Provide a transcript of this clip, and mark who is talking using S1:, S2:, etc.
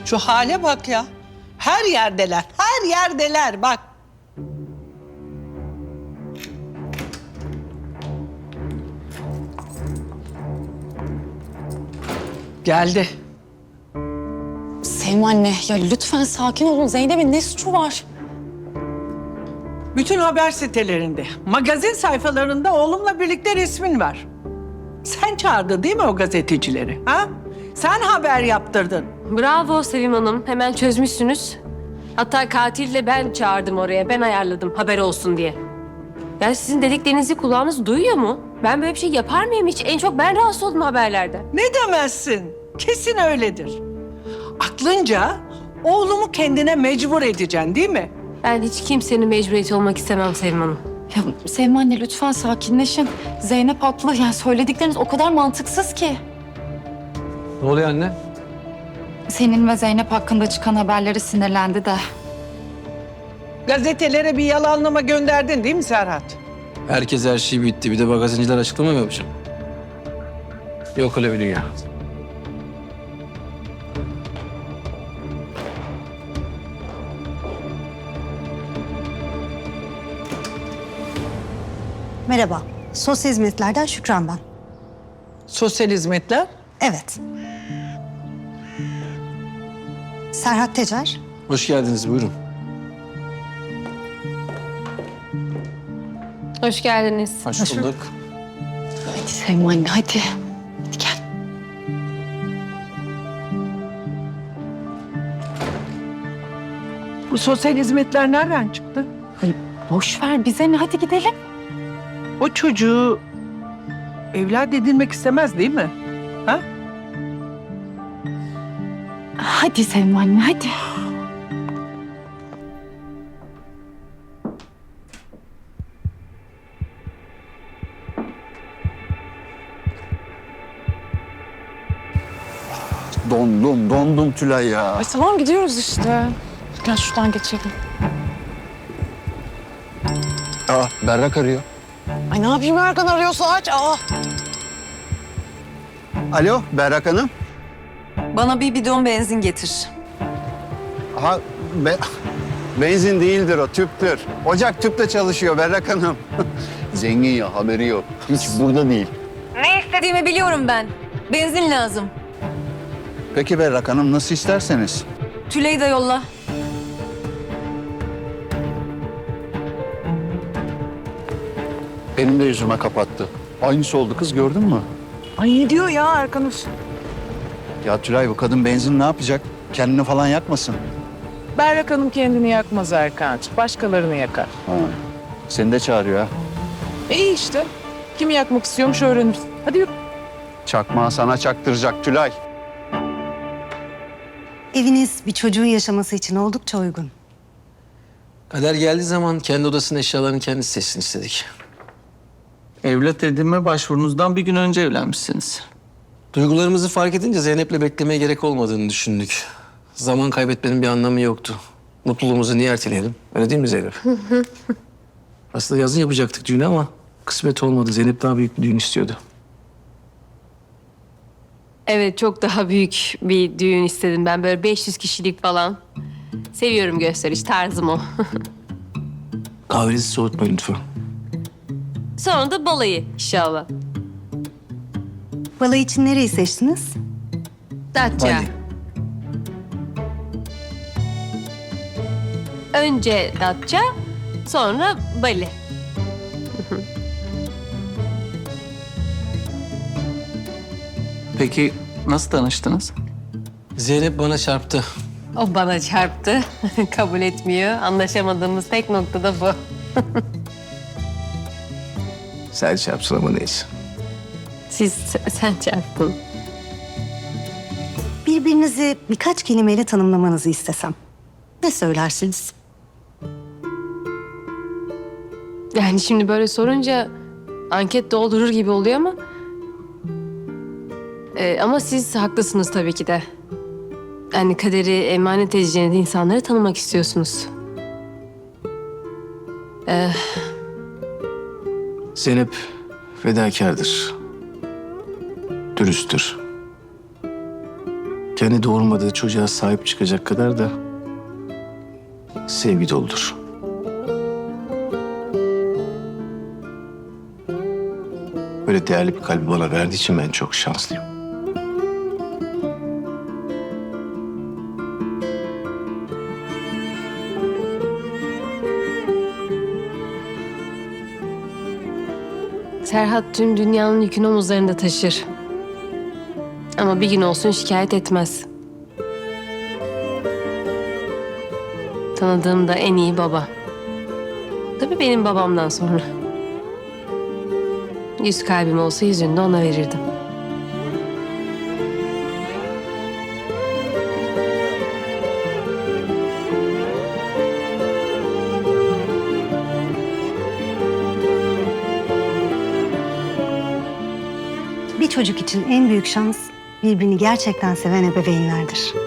S1: Şu hale bak ya. Her yerdeler, her yerdeler bak. Geldi.
S2: Sevim anne, ya lütfen sakin olun. Zeynep'in ne suçu var?
S1: Bütün haber sitelerinde, magazin sayfalarında oğlumla birlikte resmin var. Sen çağırdın değil mi o gazetecileri? Ha? Sen haber yaptırdın.
S3: Bravo Sevim Hanım. Hemen çözmüşsünüz. Hatta katille ben çağırdım oraya. Ben ayarladım haber olsun diye. Yani sizin dediklerinizi kulağınız duyuyor mu? Ben böyle bir şey yapar mıyım hiç? En çok ben rahatsız oldum haberlerden.
S1: Ne demezsin? Kesin öyledir. Aklınca oğlumu kendine mecbur edeceksin değil mi?
S3: Ben hiç kimsenin mecburiyeti olmak istemem Sevim Hanım.
S2: Ya Sevim anne lütfen sakinleşin. Zeynep haklı. Yani söyledikleriniz o kadar mantıksız ki.
S4: Ne oluyor anne?
S2: Senin ve Zeynep hakkında çıkan haberlere sinirlendi de.
S1: Gazetelere bir yalanlama gönderdin değil mi Serhat?
S4: Herkes her şey bitti. Bir de magazinciler açıklama mı yapacak? Yok öyle bir dünya.
S5: Merhaba, sosyal hizmetlerden Şükran ben.
S1: Sosyal hizmetler.
S5: Evet. Serhat Tecer.
S4: Hoş geldiniz, buyurun.
S3: Hoş geldiniz.
S4: Hoş bulduk.
S2: Hadi Sevim anne hadi. Hadi gel.
S1: Bu sosyal hizmetler nereden çıktı?
S2: Ay, boş ver bize ne, hadi gidelim.
S1: O çocuğu evlat edinmek istemez değil mi? Ha?
S2: Hadi Sevim anne hadi.
S6: Dondum Tülay ya.
S2: Ay tamam gidiyoruz işte. Gel şuradan geçelim.
S6: Berrak arıyor.
S2: Ay ne yapayım Erkan arıyorsa aç.
S6: Alo Berrak Hanım.
S7: Bana bir bidon benzin getir.
S6: Aha, benzin değildir o, tüptür. Ocak tüple çalışıyor Berrak Hanım. Zengin ya, haberi yok. Hiç burada değil.
S7: Ne istediğimi biliyorum ben. Benzin lazım.
S6: Peki Berrak Hanım, nasıl isterseniz.
S7: Tülay'ı da yolla.
S6: Benim de yüzüme kapattı. Aynısı oldu kız, gördün mü?
S8: Ay ne diyor ya Erkan Usta?
S6: Ya Tülay, bu kadın benzin ne yapacak? Kendini falan yakmasın.
S8: Berrak Hanım kendini yakmaz Erkan'cığım. Başkalarını yakar.
S6: Ha. Seni de çağırıyor ha.
S8: İyi işte. Kim yakmak istiyormuş öğreniriz. Hadi yürü.
S6: Çakmağı sana çaktıracak Tülay.
S5: Eviniz bir çocuğun yaşaması için oldukça uygun.
S4: Kader geldiği zaman kendi odasının eşyalarını kendisi seçsin istedik.
S9: Evlat edinme başvurunuzdan bir gün önce evlenmişsiniz.
S4: Duygularımızı fark edince Zeynep'le beklemeye gerek olmadığını düşündük. Zaman kaybetmenin bir anlamı yoktu. Mutluluğumuzu niye erteleyelim? Öyle değil mi Zeynep? Aslında yazın yapacaktık düğünü ama kısmet olmadı. Zeynep daha büyük bir düğün istiyordu.
S3: Evet çok daha büyük bir düğün istedim ben. Böyle 500 kişilik falan. Seviyorum gösteriş tarzım o.
S4: Kahvenizi soğutmayın lütfen.
S3: Sonra da balayı inşallah.
S5: Balayı için nereyi seçtiniz?
S3: Datça.
S4: Bali.
S3: Önce Datça, sonra Bali.
S9: Peki nasıl tanıştınız?
S4: Zeynep bana çarptı.
S3: O bana çarptı. Kabul etmiyor. Anlaşamadığımız tek nokta da bu.
S4: Sen çarpsın ama neyse.
S3: Sen çarptın.
S5: Birbirinizi birkaç kelimeyle tanımlamanızı istesem. Ne söylersiniz?
S3: Yani şimdi böyle sorunca anket doldurur gibi oluyor ama... ama siz haklısınız tabii ki de. Yani kaderi emanet edeceğiniz insanları tanımak istiyorsunuz.
S4: Zeynep fedakardır. Dürüsttür. kendi doğurmadığı çocuğa sahip çıkacak kadar da sevgi doludur. Böyle değerli bir kalbi bana verdiği için ben çok şanslıyım.
S3: Serhat tüm dünyanın yükünü omuzlarında taşır. Ama bir gün olsun şikayet etmez. Tanıdığım da en iyi baba. Tabii benim babamdan sonra. 100 kalbim olsa 100'ünü de ona verirdim.
S5: Bir çocuk için en büyük şans birbirini gerçekten seven ebeveynlerdir.